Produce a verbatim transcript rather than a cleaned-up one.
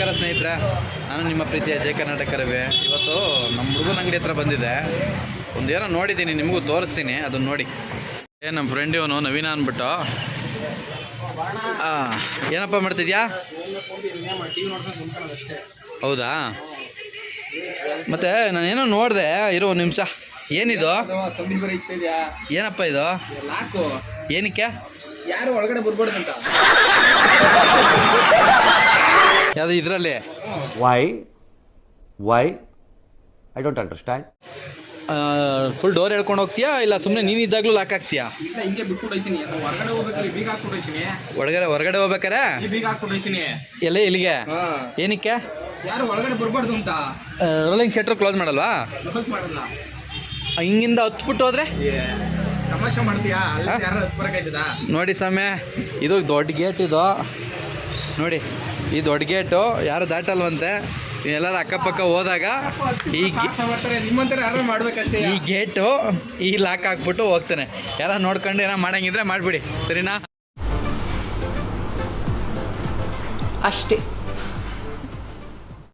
ನಮಸ್ಕಾರ ಸ್ನೇಹಿತರೆ, ನಾನು ನಿಮ್ಮ ಪ್ರೀತಿಯ ಜಯ ಕರ್ನಾಟಕ ರವಿ. ಇವತ್ತು ನಮ್ಮ ಹುಡುಗನ ಅಂಗಡಿ ಹತ್ರ ಬಂದಿದೆ. ಒಂದೇನೋ ನೋಡಿದ್ದೀನಿ, ನಿಮಗೂ ತೋರಿಸ್ತೀನಿ, ಅದನ್ನು ನೋಡಿ. ಏ ನಮ್ಮ ಫ್ರೆಂಡ್ ಇವನು ನವೀನ ಅಂದ್ಬಿಟ್ಟು. ಹಾಂ, ಏನಪ್ಪ ಮಾಡ್ತಿದ್ಯಾ? ಹೌದಾ? ಮತ್ತೆ ನಾನೇನೋ ನೋಡಿದೆ, ಇರೋ ಒಂದು ನಿಮಿಷ. ಏನಿದು? ಏನಪ್ಪ ಇದು? ಏನಕ್ಕೆ? ಯಾರು ಒಳಗಡೆ ಬರ್ಬಾರ್ದಂತ. ಯಾವುದು ಇದರಲ್ಲಿ? Why why I don't understand. Full door ಹೇಳ್ಕೊಂಡು ಹೋಗ್ತೀಯಾ ಇಲ್ಲ ಸುಮ್ಮನೆ ನೀನಿದ್ದಾಗಲೂ ಲಾಕ್ ಆಗ್ತೀಯಾ? ಇಲ್ಲ, ಹಿಂಗೆ ಬಿಟ್ಬಿಟ್ಟು ಹೋಗ್ತೀನಿ. ಹೊರಗಡೆ ಹೋಗ್ಬೇಕಾದ್ರೆ ಬೀಗ ಹಾಕ್ಬಿಟ್ಟು ಹೋಗ್ತೀನಿ. ಹೊರಗಡೆ ಹೊರಗಡೆ ಹೋಗ್ಬೇಕಾರೆ ಬೀಗ ಹಾಕ್ಬಿಟ್ಟು ಹೋಗ್ತೀನಿ. ಎಲ್ಲ ಇಲ್ಲಿಗೆ? ಏನಕ್ಕೆ? ಯಾರು ಒಳಗಡೆ ಬರ್ಬಾರ್ದು ಅಂತ. ರೋಲಿಂಗ್ ಶಟರ್ ಕ್ಲೋಸ್ ಮಾಡಲ್ವಾ? ಕ್ಲೋಸ್ ಮಾಡಲ್ಲ. ಹಿಂಗಿಂದ ಹತ್ಬಿಟ್ಟು ಹೋದ್ರೆ ತಮಾಷೆ ಮಾಡ್ತೀಯಾ? ಅಲ್ಲಿ ಯಾರು ಹತ್ಬರಕಾಯ್ತದ? ನೋಡಿ ಸ್ವಾಮಿ, ಇದು ದೊಡ್ಡ ಗೇಟ್. ಇದು ನೋಡಿ, ಈ ದೊಡ್ಡ ಗೇಟು ಯಾರು ದಾಟಲ್ವಂತೆ. ಎಲ್ಲರೂ ಅಕ್ಕಪಕ್ಕ ಹೋದಾಗ ಈ ನಿಮ್ಮಂತರ ಯಾರು ಮಾಡ್ಬೇಕಷ್ಟೇ. ಈ ಗೇಟು ಈ ಲಾಕ್ ಹಾಕ್ಬಿಟ್ಟು ಹೋಗ್ತಾನೆ. ಯಾರು ನೋಡ್ಕೊಂಡು ಏನೋ ಮಾಡಂಗಿದ್ರೆ ಮಾಡಿಬಿಡಿ, ಸರಿನಾ? ಅಷ್ಟೇ.